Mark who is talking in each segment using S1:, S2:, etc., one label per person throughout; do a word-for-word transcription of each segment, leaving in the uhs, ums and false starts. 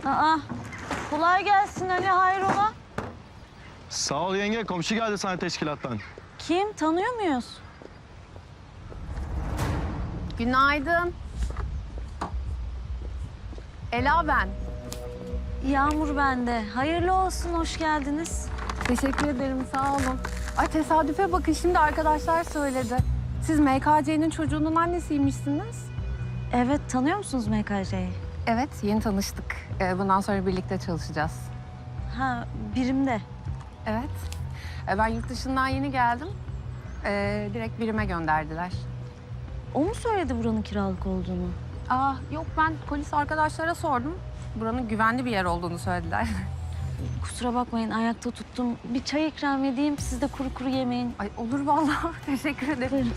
S1: Aa, kolay gelsin Ali, hayrola?
S2: Sağ ol yenge. Komşu geldi sana teşkilattan.
S1: Kim? Tanıyor muyuz?
S3: Günaydın. Ela ben.
S1: Yağmur bende. Hayırlı olsun, hoş geldiniz.
S3: Teşekkür ederim, sağ olun. Ay tesadüfe bakın, şimdi arkadaşlar söyledi. Siz M K C'nin çocuğunun annesiymişsiniz.
S1: Evet, tanıyor musunuz M K C'yi?
S3: Evet, yeni tanıştık. Ee, bundan sonra birlikte çalışacağız.
S1: Ha, birimde.
S3: Evet. Ee, ben yurt dışından yeni geldim. Ee, direkt birime gönderdiler.
S1: O mu söyledi buranın kiralık olduğunu?
S3: Aa, yok ben polis arkadaşlara sordum. Buranın güvenli bir yer olduğunu söylediler.
S1: Kusura bakmayın, ayakta tuttum. Bir çay ikram edeyim, siz de kuru kuru yemeyin.
S3: Ay olur vallahi. Teşekkür ederim.
S1: Buyurun.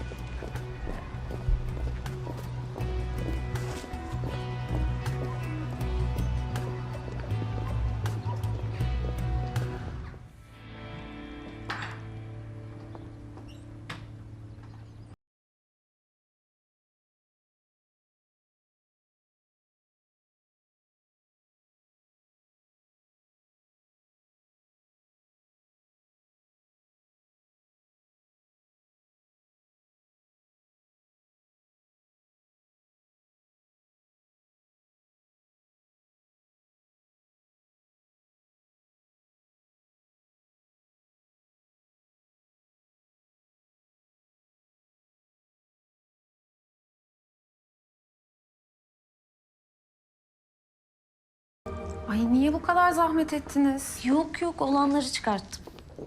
S3: Ay niye bu kadar zahmet ettiniz?
S1: Yok yok, olanları çıkarttım.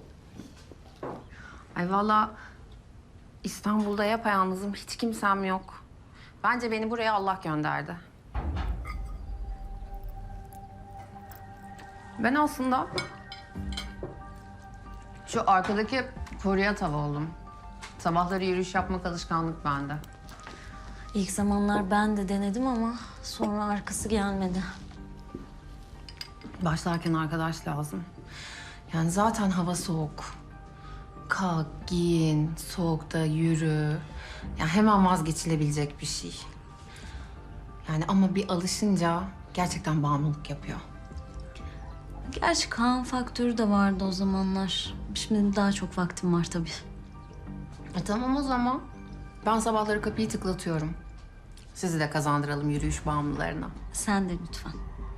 S3: Ay vallahi İstanbul'da yapayalnızım, hiç kimsem yok. Bence beni buraya Allah gönderdi. Ben aslında şu arkadaki koruya tav oldum. Sabahları yürüyüş yapmak alışkanlık bende.
S1: İlk zamanlar ben de denedim ama sonra arkası gelmedi.
S3: Başlarken arkadaş lazım. Yani zaten hava soğuk. Kalk, giyin, soğukta yürü. Yani hemen vazgeçilebilecek bir şey. Yani ama bir alışınca gerçekten bağımlılık yapıyor.
S1: Gerçi Kaan faktörü de vardı o zamanlar. Şimdi daha çok vaktim var tabii.
S3: E tamam o zaman. Ben sabahları kapıyı tıklatıyorum. Sizi de kazandıralım yürüyüş bağımlılarına.
S1: Sen de lütfen.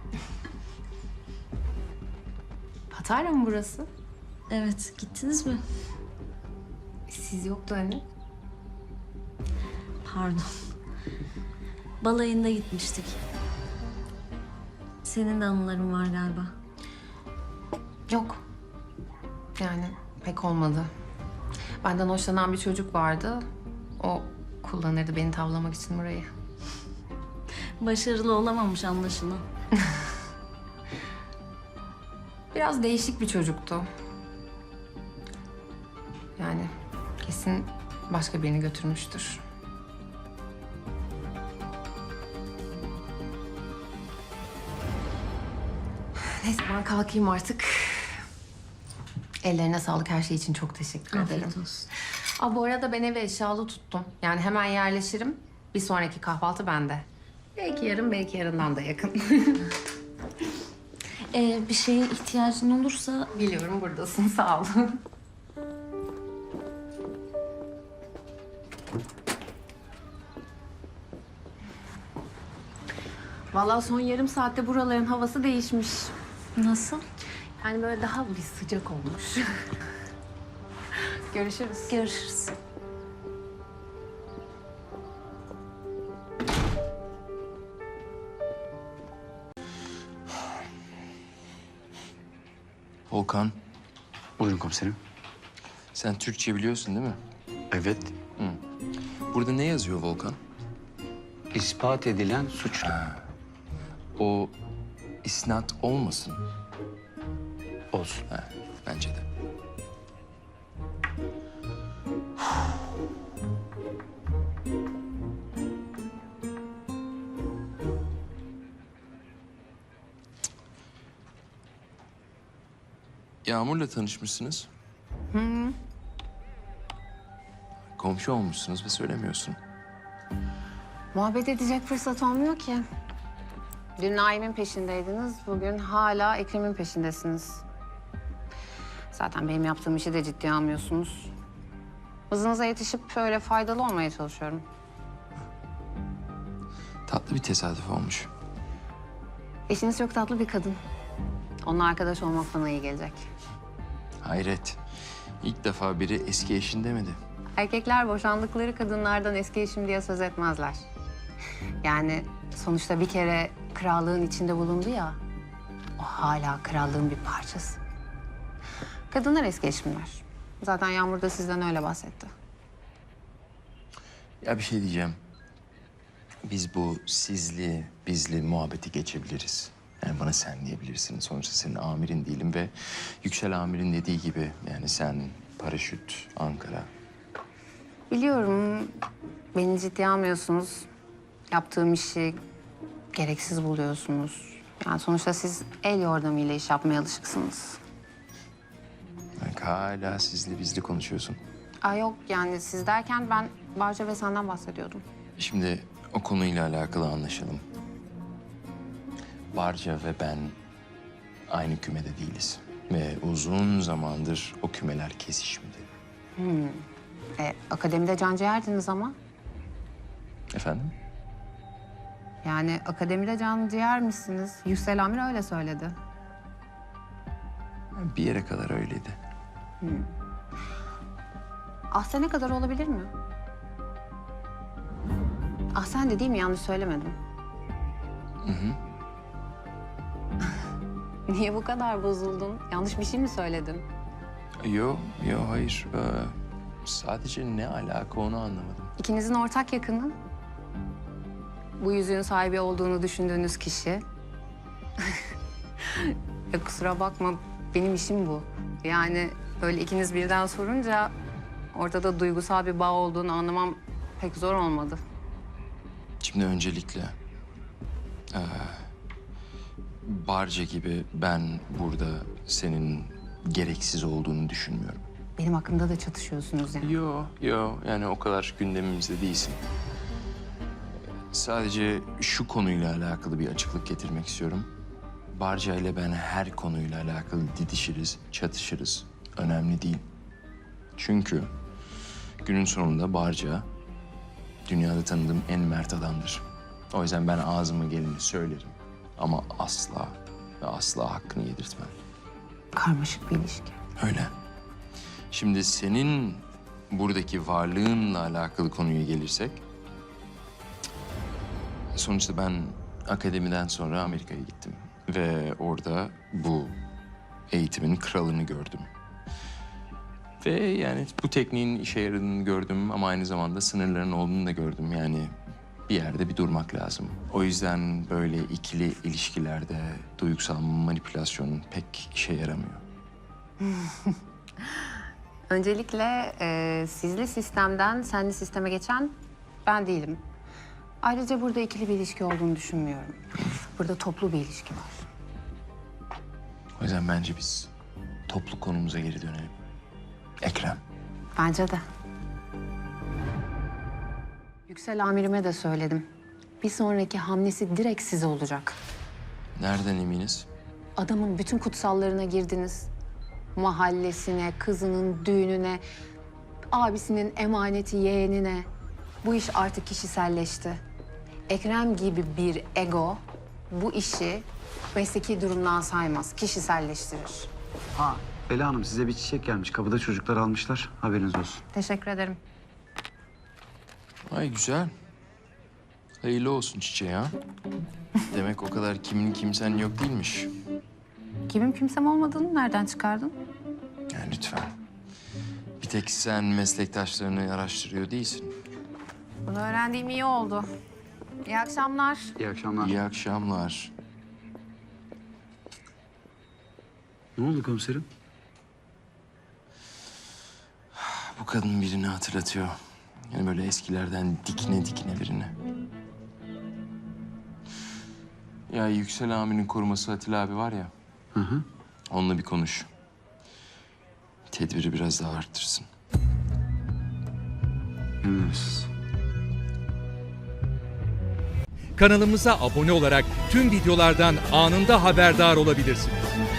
S3: Patarya mı burası?
S1: Evet, gittiniz mi?
S3: Siz yoktu hani.
S1: Pardon. Balayında gitmiştik. Senin de anıların var galiba.
S3: Yok. Yani pek olmadı. Benden hoşlanan bir çocuk vardı. O kullanırdı beni tavlamak için burayı.
S1: Başarılı olamamış anlaşılan.
S3: Biraz değişik bir çocuktu. Yani kesin başka birini götürmüştür. Neyse ben kalkayım artık. Ellerine sağlık, her şey için çok teşekkür ederim.
S1: Afiyet olsun.
S3: Aa, bu arada ben evi eşyalı tuttum. Yani hemen yerleşirim. Bir sonraki kahvaltı bende. Belki yarın, belki yarından da yakın.
S1: Ee, bir şeye ihtiyacın olursa
S3: Biliyorum buradasın, sağ ol. Vallahi son yarım saatte buraların havası değişmiş.
S1: nasıl?
S3: Yani böyle daha bir sıcak olmuş. Görüşürüz.
S1: Görüşürüz.
S4: Volkan,
S5: Buyurun komiserim.
S4: sen Türkçe biliyorsun değil mi?
S5: Evet,
S4: Burada ne yazıyor Volkan?
S5: ispat edilen suçlu.
S4: O isnat olmasın.
S5: Olsun.
S4: Ha, bence de. Yağmur'la tanışmışsınız. Hı. Komşu olmuşsunuz ve söylemiyorsun.
S3: Muhabbet edecek fırsat olmuyor ki. Dün Naim'in peşindeydiniz, bugün hala Ekrem'in peşindesiniz. Zaten benim yaptığım işi de ciddiye almıyorsunuz. Hızınıza yetişip öyle faydalı olmaya çalışıyorum.
S4: Tatlı bir tesadüf olmuş.
S3: Eşiniz çok tatlı bir kadın. Onunla arkadaş olmak bana iyi gelecek.
S4: Hayret. İlk defa biri eski eşin demedi.
S3: Erkekler boşandıkları kadınlardan eski eşim diye söz etmezler. Yani sonuçta bir kere krallığın içinde bulundu ya. O hala krallığın bir parçası. Kadınlar eski eşimler. Zaten Yağmur da sizden öyle bahsetti.
S4: Ya bir şey diyeceğim. Biz bu sizli, bizli muhabbeti geçebiliriz. Yani bana sen diyebilirsin. Sonuçta senin amirin değilim ve Yüksel amirin dediği gibi yani sen paraşüt, Ankara.
S3: Biliyorum beni ciddiye almıyorsunuz. Yaptığım işi gereksiz buluyorsunuz. Yani sonuçta siz el yordamıyla iş yapmaya alışıksınız.
S4: Bak hala sizli bizli konuşuyorsun.
S3: Aa yok yani siz derken ben Barca ve senden bahsediyordum.
S4: Şimdi o konuyla alakalı anlaşalım. Barca ve ben aynı kümede değiliz. Ve uzun zamandır o kümeler kesişmedi.
S3: E, akademide can ciğerdiniz ama.
S4: Efendim?
S3: Yani akademide can ciğermişsiniz. Yüksel Amir öyle söyledi.
S4: Bir yere kadar öyleydi.
S3: Ahsen ne kadar olabilir mi? Ahsen de değil mi? Yanlış söylemedim.
S4: Hı hı.
S3: Niye bu kadar bozuldun? Yanlış bir şey mi söyledin?
S4: Yo, yo hayır. Ee, sadece ne alaka onu anlamadım.
S3: İkinizin ortak yakını. Bu yüzüğün sahibi olduğunu düşündüğünüz kişi. Ya kusura bakma, benim işim bu. Yani böyle ikiniz birden sorunca ortada duygusal bir bağ olduğunu anlamam pek zor olmadı.
S4: Şimdi öncelikle... ee, Barca gibi ben burada senin gereksiz olduğunu düşünmüyorum.
S3: Benim hakkımda da çatışıyorsunuz yani.
S4: Yo, yo. Yani o kadar gündemimizde değilsin. Sadece şu konuyla alakalı bir açıklık getirmek istiyorum. Barca ile ben her konuyla alakalı didişiriz, çatışırız. Önemli değil. Çünkü günün sonunda Barca dünyada tanıdığım en mert adamdır. O yüzden ben ağzıma geleni söylerim. Ama asla ve asla hakkını yedirtmem.
S3: Karmaşık bir ilişki.
S4: Öyle. Şimdi senin buradaki varlığınla alakalı konuya gelirsek... Sonuçta ben akademiden sonra Amerika'ya gittim. Ve orada bu eğitimin kralını gördüm. Ve yani bu tekniğin işe yaradığını gördüm ama aynı zamanda sınırların olduğunu da gördüm. Yani bir yerde bir durmak lazım. O yüzden böyle ikili ilişkilerde duygusal manipülasyon pek işe yaramıyor.
S3: Öncelikle e, sizli sistemden senli sisteme geçen ben değilim. Ayrıca burada ikili bir ilişki olduğunu düşünmüyorum. Burada toplu bir ilişki var.
S4: O yüzden bence biz toplu konumuza geri dönelim. Ekrem.
S3: Bence de. Yüksel amirime de söyledim. Bir sonraki hamlesi direkt size olacak.
S4: Nereden eminiz?
S3: Adamın bütün kutsallarına girdiniz. Mahallesine, kızının düğününe, abisinin emaneti yeğenine. Bu iş artık kişiselleşti. Ekrem gibi bir ego bu işi mesleki durumdan saymaz, kişiselleştirir.
S5: Ha, Bela Hanım size bir çiçek gelmiş. Kapıda çocuklar almışlar. Haberiniz olsun.
S3: Teşekkür ederim.
S4: Ay güzel. Hayırlı olsun çiçeği ha. Demek o kadar kimin kimsen yok değilmiş.
S3: Kimim kimsem olmadığını nereden çıkardın?
S4: Yani lütfen. Bir tek sen meslektaşlarını araştırıyor değilsin.
S3: Bunu öğrendiğim iyi oldu. İyi akşamlar.
S5: İyi akşamlar.
S4: İyi akşamlar.
S5: Ne oldu komiserim?
S4: Bu kadın birini hatırlatıyor. Yani böyle eskilerden dikine dikine birini. Ya Yüksel Amir'in koruması Atilla abi var ya.
S5: Hı hı.
S4: Onunla bir konuş. Tedbiri biraz daha arttırsın.
S5: Emriniz.
S6: Kanalımıza abone olarak tüm videolardan anında haberdar olabilirsiniz.